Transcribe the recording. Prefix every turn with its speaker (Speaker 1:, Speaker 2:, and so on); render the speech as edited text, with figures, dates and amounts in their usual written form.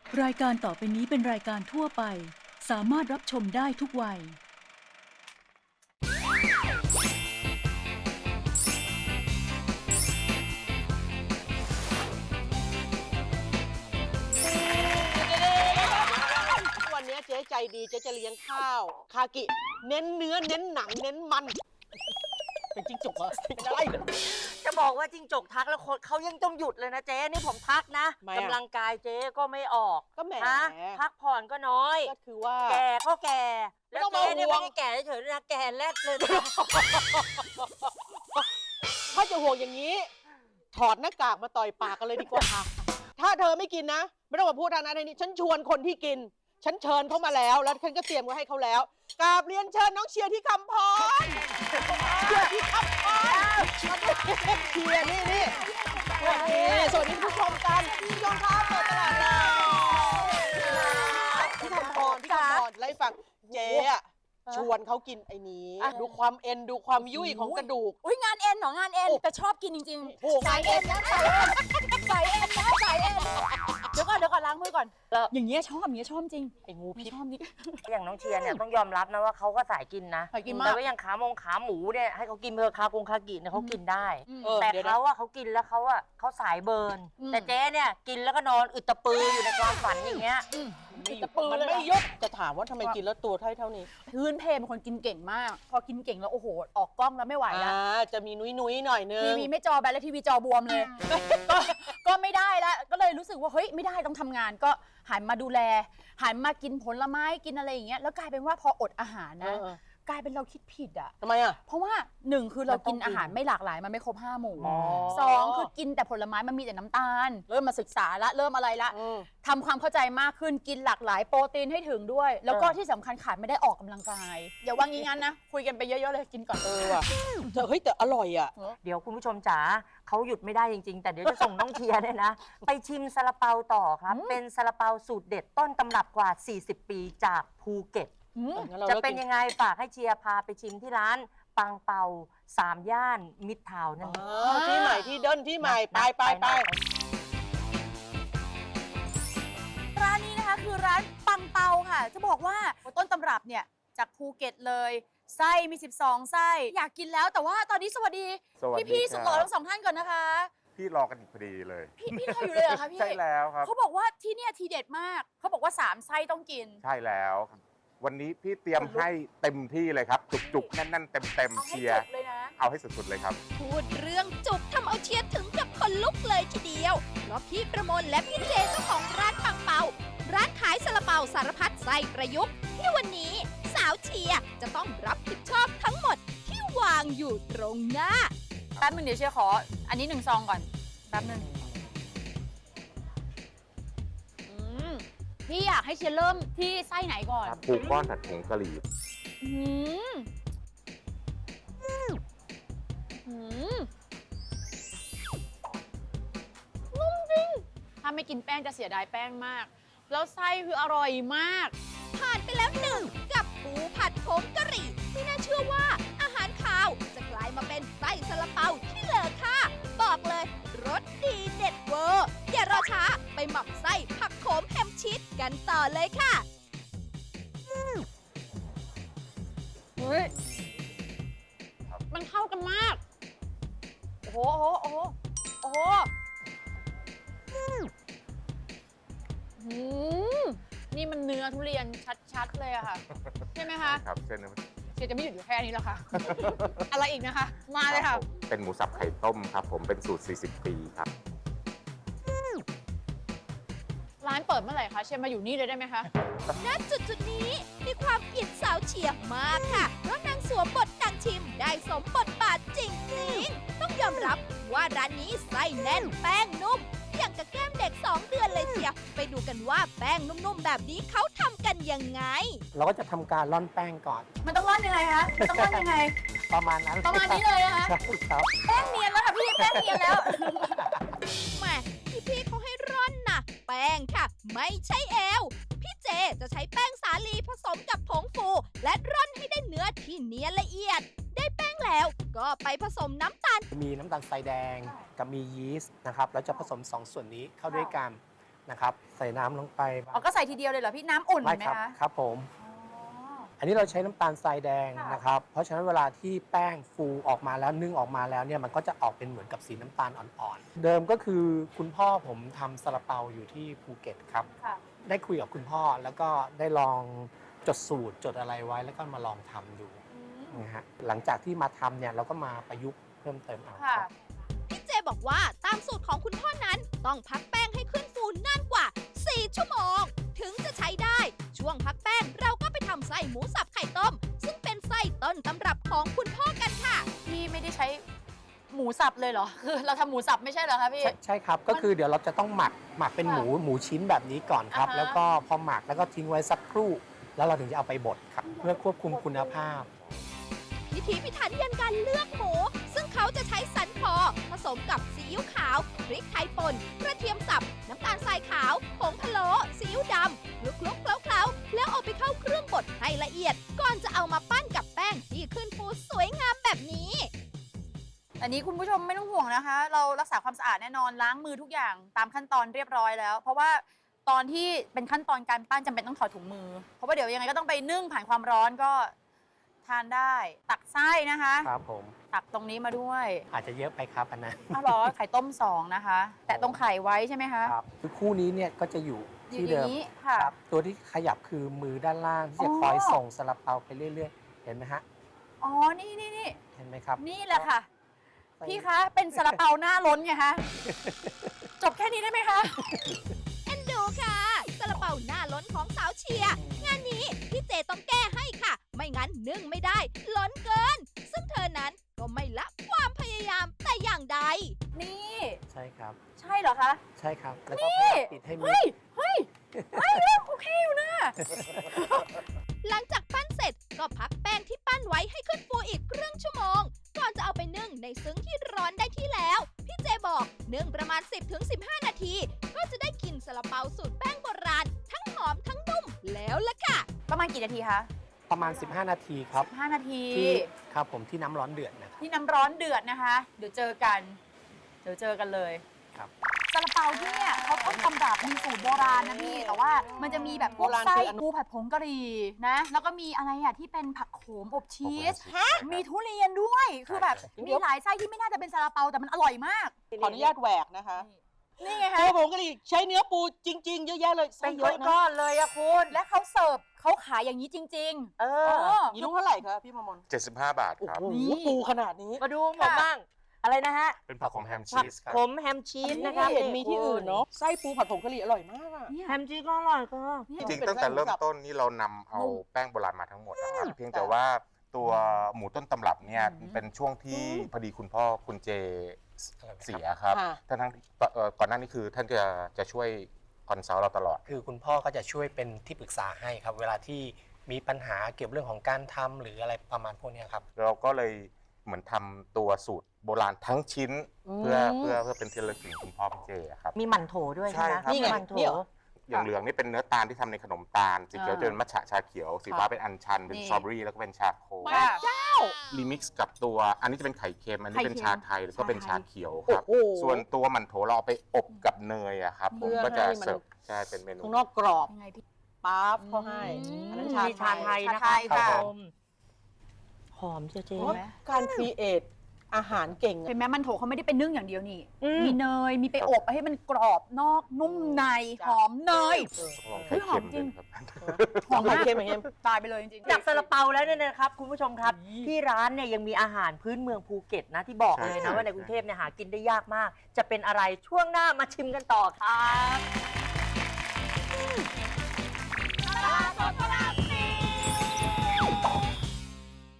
Speaker 1: รายการต่อไปนี้เป็นรายการทั่วไปสามารถรับชมได้ทุกวัย
Speaker 2: วันนี้เจ๊ใจดีเจ๊จะเลี้ยงข้าวคากิเน้นเนื้อเน้นหนังเน้นมันเป็นจิ้งจกเหรอไม่ได้
Speaker 3: จะบอกว่าจิ้งจกทักแล้วคนเขายังต้องหยุดเลยนะเจ๊นี่ผมทักนะ
Speaker 2: ทำไมอะ
Speaker 3: กำลังกายเจ๊ก็ไม่ออก
Speaker 2: ก็แหม
Speaker 3: ฮะพักผ่อนก็น้อย
Speaker 2: ก็คือว่า
Speaker 3: แก่ก็แก่
Speaker 2: ไม่
Speaker 3: แล้ว
Speaker 2: ต้องมา
Speaker 3: เจ๊เนี่ย
Speaker 2: ห่ว
Speaker 3: ไม่
Speaker 2: ง
Speaker 3: ได้แก่เฉยๆนะแก่แรดเลยนะ
Speaker 2: ถ้าจะห่วงอย่างนี้ ถอดหน้ากากมาต่อยปากกันเลยดีกว่า ถ้าเธอไม่กินนะ ไม่ต้องมาพูดทางนั้นทางนี้ฉันชวนคนที่กิน ฉันเชิญเขามาแล้ว แล้วฉันก็เตรียมไว้ให้เขาแล้วกราบเรียนเชิญน้องเชียร์ที่คำพรเชียร์ที่คำพรเชียร์นี่สวัสดีผู้ชมกันผู้ชมครับเปิดตลาดเราที่คำพรไล่ฟังเจ๊อะชวนเขากินไอ้นี้ ดูความเอ็นดูความยุ่ยของกระดูก
Speaker 4: อุ้ยงานเอ็นเหรองานเอ็นแต่ชอบกินจริง
Speaker 2: โอ้โห
Speaker 4: ๆสายเอ็นนะสายเอ็นนะสายเอ็นเดี๋ยวก่อนล้างมือก่อน อย่างเงี้ยชอบจริง
Speaker 2: ไอ้งูพิษ
Speaker 4: ชอบนี่
Speaker 3: อย่างน้องเชียร์เนี่ยต้องยอมรับนะว่าเขาก็สายกินนะ
Speaker 4: สายกินมาก
Speaker 3: แต่ว่าอย่างขาหมูเนี่ยให้เขากินเพอคากิเนี่ยเขากินได้ แต่
Speaker 2: ดี๋ยวนะ
Speaker 3: เขากินแล้วเขาสายเบิร์น แต่เจ๊เนี่ยกินแล้วก็นอนอึดตะปืออยู่ในความฝันอย่างเงี้ย
Speaker 2: มันไม่ยกจะถามว่าทำไมกินแล้วตัวเท่านี้
Speaker 4: พื้นเพเป็นคนกินเก่งมาก พอกินเก่งแล้วโอ้โหออกกล้องแล้วไม่ไหวแล้ว
Speaker 2: จะมีนุ้ยหน่อยนึง
Speaker 4: ทีวีไม่จอแบนแล้วทีวีจอบวมเลย ก็ไม่ได้แล้วก็เลยรู้สึกว่าเฮ้ยไม่ได้ต้องทำงานก็หันมาดูแลหันมากินผลไม้กินอะไรอย่างเงี้ยแล้วกลายเป็นว่าพออดอาหารนะกลายเป็นเราคิดผิดอ่ะ
Speaker 2: ทำไมอ่ะ
Speaker 4: เพราะว่าหนึ่งคือเรากิน
Speaker 2: มันต้องกิน
Speaker 4: อาหารไม่หลากหลายมันไม่ครบ5 หมู่
Speaker 2: อ๋อ
Speaker 4: สองคือกินแต่ผลไม้มันมีแต่น้ำตาล เริ่มมาศึกษาละเริ่มอะไรละ
Speaker 2: อืม
Speaker 4: ทำความเข้าใจมากขึ้นกินหลากหลายโปรตีนให้ถึงด้วย แล้วก็ที่สำคัญขาดไม่ได้ออกกำลังกายอย่าว่างี้งั้นนะคุยกันไปเยอะๆเลยกินก่อน
Speaker 2: ว่ะเฮ้ยแต่อร่อยอ่ะ
Speaker 3: เดี๋ยวคุณผู้ชมจ๋าเขาหยุดไม่ได้จริงๆ แต่เดี๋ยวจะส่งน้องเชียร์เนี่ยนะ ไปชิมซาลาเปาต่อครับ เป็นซาลาเปาสูตรเด็ดต้นตำรับกว่า 40 ปีจากภูเก็ต จะเป็นยังไงฝากให้เชียร์พาไปชิมที่ร้านปังเปา3 ย่านมิตรทาวน์นั่นเอง
Speaker 2: ที่ใหม่ที่เดินที่ใหม่ไป
Speaker 4: ร้านนี้นะคะคือร้านปังเปาค่ะ จะบอกว่าต้นตำรับเนี่ยจากภูเก็ตเลยไส้มี12 ไส้อยากกินแล้วแต่ว่าตอนนี้สวัสดี
Speaker 5: สวัสดี
Speaker 4: พี่
Speaker 5: ครับ
Speaker 4: สุดหล่อทั้งสองท่านก่อนนะคะ
Speaker 5: พี่รอกันอีกพอดีเลย
Speaker 4: พี่รออยู่เลยเหรอคะพี่
Speaker 5: ใช่แล้วครับ
Speaker 4: เขาบอกว่าที่เนี่ยทีเด็ดมากเขาบอกว่า3 ไส้ต้องกิน
Speaker 5: ใช่แล้วครับวันนี้พี่เตรียมให้เต็มที่เลยครับ จุกๆแน่นๆเต็ม
Speaker 4: เอา
Speaker 5: ๆ
Speaker 4: ให้
Speaker 5: เชีย
Speaker 4: จ
Speaker 5: ร์
Speaker 4: บเลยนะ
Speaker 5: เอาให้สุดๆเลยครับ
Speaker 6: พูดเรื่องจุกทำเอาเชียร์ถึงกับคนลุกเลยทีเดียว เพราะพี่ประมวลและพี่เจเจ้าของร้านปังเปา ร้านขายซาลาเปาสารพัดไส้ประยุกต์ที่วันนี้สาวเชียร์จะต้องรับผิดชอบทั้งหมดที่วางอยู่ตรงหน้า
Speaker 4: แป๊บนึงเดี๋ยวเชียร์ขออันนี้1 ซองก่อนแป๊บนึงพี่อยากให้เชียร์เริ่มที่ไส้ไหนก่อน
Speaker 5: ปูก้อนผัดผงกะหรี่
Speaker 4: อืมอืมนุ่มจริง ถ้าไม่กินแป้งจะเสียดายแป้งมาก แล้วไส้คืออร่อยมาก
Speaker 6: ผ่านไปแล้วหนึ่งกับปูผัดผงกะหรี่ไม่น่าเชื่อว่าอาหารคาวจะกลายมาเป็นไส้ซาลาเปาที่เลอค่าบอกเลยรสดีเด็ดเวอร์อย่ารอช้าไปหมักไส้ผักโขมแฮมชีสกันต่อเลยค่ะ
Speaker 4: เฮ้ย มันเข้ากันมาก โอ้โห โอ้โห โอ้โหอืมนี่มันเนื้อทุเรียนชัดๆเลยอะค่ะ ใช่ไหมคะ
Speaker 5: ครับเส้นนี้
Speaker 4: เชียร์จะไม่หยุดอยู่แค่นี้แล้วค่ะ อะไรอีกนะคะ มาเลยค่ะ
Speaker 5: เป็นหมูสับไข่ต้มครับ ผมเป็นสูตร 40 ปีครับ
Speaker 4: ร้านเปิดเมื่อไหร่คะเชียร์มาอยู่นี่เลยได้ไหมคะ
Speaker 6: ณจุดนี้มีความอินสาวเฉียบมากค่ะ เพราะนางสวมบทนางชิมได้สมบทบาทจริงๆ ต้องยอมรับว่าร้านนี้ไส้แน่นแป้งนุ่ม อย่างกับแก้มเด็ก 2 เดือนเลยเชียวไปดูกันว่าแป้งนุ่มๆ แบบนี้เขาทำกันยังไง
Speaker 7: เราก็จะทำการร่อนแป้งก่อน
Speaker 4: มันต้องร่อนยังไงคะมันต้องร่อนยังไง
Speaker 7: ประมาณนั้น
Speaker 4: ประมาณนี้เลยนะคะ
Speaker 7: ใช่ครับ
Speaker 4: แป้งเนียนแล้วค่ะพี่แป้งเนียนแล้ว
Speaker 6: แหม่พี่เขาให้ร่อนนะแป้งค่ะ ไม่ใช่เอว พี่เจจะใช้แป้งสาลีผสมกับผงฟู และร่อนให้ได้เนื้อที่เนียนละเอียด ได้แป้งแล้วก็ไปผสมน้ำตาล
Speaker 7: มีน้ำตาลทรายแดงกับมียีสต์นะครับ แล้วจะผสม 2 ส่วนนี้เข้าด้วยกันนะครับใส่น้ำลงไป
Speaker 4: อ๋อก็ใส่ทีเดียวเลยเหรอพี่น้ำอุ่น
Speaker 7: ไม่
Speaker 4: ไหม
Speaker 7: ครับ
Speaker 4: คะ
Speaker 7: ครับผม อันนี้เราใช้น้ำตาลทรายแดง
Speaker 4: ค่ะ
Speaker 7: นะครับ เพราะฉะนั้นเวลาที่แป้งฟูออกมาแล้วนึ่งออกมาแล้วเนี่ยมันก็จะออกเป็นเหมือนกับสีน้ำตาลอ่อนๆ เดิมก็คือคุณพ่อผมทำซาลาเปาอยู่ที่ภูเก็ตครับ
Speaker 4: ค่ะ
Speaker 7: ได้คุยกับคุณพ่อแล้วก็ได้ลองจดสูตรจดอะไรไว้แล้วก็มาลองทำดูนะฮะหลังจากที่มาทำเนี่ยเราก็มาประยุกต์เพิ่มเติมเอา
Speaker 4: ค่ะ
Speaker 7: ครับ
Speaker 6: พี่เจบอกว่าตามสูตรของคุณพ่อนั้นต้องพักแป้งให้ขึ้นฟูนานกว่า 4 ชั่วโมง ถึงจะใช้ได้ ช่วงพักแป้งเราก็ไปทำไส้หมูสับไข่ต้ม ซึ่งเป็นไส้ต้นตำรับของคุณพ่อกันค่ะ
Speaker 4: พี่ไม่ได้ใช้หมูสับเลยเหรอ คือเราทำหมูสับไม่ใช่เหรอคะพี่
Speaker 7: ใช่ครับ ก็คือเดี๋ยวเราจะต้องหมักเป็น
Speaker 4: ค่ะ
Speaker 7: หมูชิ้นแบบนี้ก่อนครับ
Speaker 4: อ่าฮะ
Speaker 7: แล้วก็พอหมักแล้วก็ทิ้งไว้สักครู่ แล้วเราถึงจะเอาไปบดครับ เพื่อควบคุมคุณภาพ
Speaker 6: พิถีพิถันยันการเลือกหมู ซึ่งเขาจะใช้สันคอผสมกับซีอิ๊วขาว พริกไทยป่นกระเทียมสับ น้ำตาลทรายขาว ผงพะโล้ซีอิ๊วดำคลุกๆเคล้าๆแล้วเอาไปเข้าเครื่องบดให้ละเอียด ก่อนจะเอามาปั้นกับแป้งที่ขึ้นฟูสวยงามแบบนี้
Speaker 4: อันนี้คุณผู้ชมไม่ต้องห่วงนะคะ เรารักษาความสะอาดแน่นอนล้างมือทุกอย่างตามขั้นตอนเรียบร้อยแล้ว เพราะว่าตอนที่เป็นขั้นตอนการปั้นจำเป็นต้องถอดถุงมือ เพราะว่าเดี๋ยวยังไงก็ต้องไปนึ่งผ่านความร้อนก็ทานได้ ตักไส้นะคะ
Speaker 7: ครับผม
Speaker 4: ตักตรงนี้มาด้วย
Speaker 7: อาจจะเยอะไปครับอันนั้น
Speaker 4: อ้าวเหรอไข่ต้ม2นะคะ แต่ตรงไข่ไว้ใช่ไหมคะ
Speaker 7: ครับคือคู่นี้เนี่ยก็จะอยู่
Speaker 4: อยู่
Speaker 7: ที่
Speaker 4: อ
Speaker 7: เดิ
Speaker 4: ย่าม งนี้ค่ะ
Speaker 7: ครับตัวที่ขยับคือมือด้านล่างที่จะ
Speaker 4: อ๋อ
Speaker 7: คอยส่งซาลาเปาไปเรื่อยๆ เห็นไหมฮะ
Speaker 4: อ๋อนี่นี่นี่
Speaker 7: เห็นไหมครับ
Speaker 4: นี่แหละค่ะ พี่คะเป็นซาลาเปาหน้าล้นไงคะจบแค่นี้ได้ไหมคะ
Speaker 6: เอ็นดูค่ะซาลาเปาหน้าล้นของสาวเชียร์งานนี้พี่เจต้องแก้ให้ค่ะ ไม่งั้นนึ่งไม่ได้ ล้นเกิน ซึ่งเธอนั้นก็ไม่ละความพยายามแต่อย่างใด
Speaker 4: นี่
Speaker 7: ใช่ครับ
Speaker 4: ใช่เหรอคะ
Speaker 7: ใช่ครับ แล้วก็พยายามปิดให้มิด
Speaker 4: เฮ้ยเฮ้ยเฮ้ยเริ่มโอเคอยู่นะ
Speaker 6: หลังจากปั้นเสร็จก็พักแป้งที่ปั้นไว้ให้ขึ้นฟูอีกครึ่งชั่วโมง ก่อนจะเอาไปนึ่งในซึ้งที่ร้อนได้ที่แล้ว พี่เจบอกนึ่งประมาณ 10-15 นาที ก็จะได้กินซาลาเปาสูตรแป้งโบราณ ทั้งหอมทั้งนุ่มแล้วล่ะค่ะ
Speaker 4: ประมาณกี่นาทีคะ
Speaker 7: ประมาณ 15 นาทีครับ
Speaker 4: 5 นาที
Speaker 7: ที่ครับผมที่น้ำร้อนเดือดนะครับ
Speaker 4: ที่น้ำร้อนเดือดนะคะ เดี๋ยวเจอกัน เดี๋ยวเจอกันเลย
Speaker 7: ครับ
Speaker 4: ซาลาเปาที่เนี่ยเขาต้นตำรับมีสูตรโบราณนะพี่ แต่ว่ามันจะมีแบบพวก
Speaker 2: โบราณ
Speaker 4: ไส้
Speaker 2: คืออัน
Speaker 4: ปูผัดผงกะหรี่นะ แล้วก็มีอะไรอ่ะที่เป็นผักโขมอบชีส มีทุเรียนด้วย คือแบบมีหลายไส้ที่ไม่น่าจะเป็นซาลาเปาแต่มันอร่อยมาก
Speaker 2: ขออนุญาตแหวกนะคะ
Speaker 4: นี่ไง
Speaker 2: ปู
Speaker 4: คะ
Speaker 2: ผงกะหรี่ใช้เนื้อปูจริง ๆ เยอะแยะเลย
Speaker 3: ไปยกก้อนเลยอะคุณ
Speaker 4: และเขาเสิร์ฟเขาขายอย่างนี้จริง
Speaker 3: เอ
Speaker 4: ๆ
Speaker 3: อ
Speaker 2: นี่ลูกเท่าไหร่คะพี่มมน
Speaker 5: 75 บาท
Speaker 2: โอ้
Speaker 5: ครับ
Speaker 2: โห
Speaker 4: นี่
Speaker 2: ปูขนาดนี้
Speaker 3: มาดูผมบ้าง อะไรนะฮะ
Speaker 5: เป็นผักของแฮม
Speaker 3: ผั
Speaker 5: ชี
Speaker 3: ก
Speaker 5: สครับ
Speaker 3: ขมแฮมชีส
Speaker 2: นะ
Speaker 3: นะ
Speaker 2: คะ
Speaker 3: คะ
Speaker 2: เห็นมีที่อื่นเนาะไส้ปูผัดผงกะหรี่อร่อยมากอะ
Speaker 3: แฮมชีสก็อร่อยก็
Speaker 5: จริงๆตั้งแต่เริ่มต้นนี่เรานำเอาแป้งโบราณมาทั้งหมดนะครับ เพียงแต่ว่าตัวหมูต้นตำรับเนี่ยเป็นช่วงที่พอดีคุณพ่อคุณเจเสียครับ
Speaker 2: ค่ะ
Speaker 5: ทั้งก่อนหน้านี้คือท่านจะช่วยคอนซัลท์เราตลอด
Speaker 7: คือคุณพ่อก็จะช่วยเป็นที่ปรึกษาให้ครับ เวลาที่มีปัญหาเกี่ยวกับเรื่องของการทำหรืออะไรประมาณพวกเนี้ยครับ
Speaker 5: เราก็เลยเหมือนทำตัวสูตรโบราณทั้งชิ้น เพื่อเป็นที่ระลึกถึงคุณพ่อคุณเจครับ
Speaker 3: มีหมั่นโถด้วย
Speaker 5: ใช่
Speaker 3: ใช่ไหม
Speaker 5: ครับ
Speaker 2: นี่ไง
Speaker 3: หมั่นโถ
Speaker 2: เนี่ย
Speaker 5: อย่างเหลืองนี่เป็นเนื้อตาลที่ทำในขนมตาล สีเขียวจะเป็นมัทฉะชาเขียว สีฟ้าเป็นอัญชัน เป็น
Speaker 4: นี่
Speaker 5: สตรอเบอรี่แล้วก็เป็นชาโค
Speaker 2: มาเจ้า
Speaker 5: รีมิกซ์กับตัวอันนี้จะเป็นไข่เค็ม อันนี้เป็น
Speaker 4: ไข่เค็ม
Speaker 5: ชาไทยแล้วก็เป็น
Speaker 4: ชาไทย
Speaker 5: ชาเขียวครับ
Speaker 2: โอ้โห
Speaker 5: ส่วนตัวหมันโถเราเอาไปอบกับเนยอะครับผม
Speaker 2: เพื่อ
Speaker 5: ก็จะ
Speaker 2: ให้มัน
Speaker 5: เสิร์ฟใช่เป็นเมนู
Speaker 2: ข้างนอกกรอบ
Speaker 4: ยังไงพี่
Speaker 2: ปั๊บเขาให้ อันนั้น
Speaker 3: มีชาไทยนะ
Speaker 4: ชา
Speaker 3: คะ
Speaker 4: ไทยค่ะ
Speaker 3: รับผมหอมเจ๊
Speaker 2: โอ้ยการครีเอทอาหารเก่ง
Speaker 4: เห็นไหมมันโถเขาไม่ได้เป็นนึ่งอย่างเดียวนี่
Speaker 3: อืม
Speaker 4: มีเนย มีไปอบให้มันกรอบนอกนุ่มใน
Speaker 2: จ้ะ
Speaker 4: หอมเนย
Speaker 5: ลอง
Speaker 4: เฮ้
Speaker 5: ไข่
Speaker 4: ยหอ
Speaker 5: เค็
Speaker 4: ม
Speaker 5: ม
Speaker 4: จริ
Speaker 5: ด้ว
Speaker 4: ง
Speaker 5: ยครับ
Speaker 2: หอมเค็มไหมเค็ม
Speaker 4: ตายไปเลยจริง
Speaker 3: จากซาลาเปาแล้วเนี่ยนะครับ คุณผู้ชมครับ ที่ร้านเนี่ยยังมีอาหารพื้นเมืองภูเก็ตนะที่บอกเลยนะว่าในกรุงเทพเนี่ยหากินได้ยากมาก จะเป็นอะไรช่วงหน้ามาชิมกันต่อครับ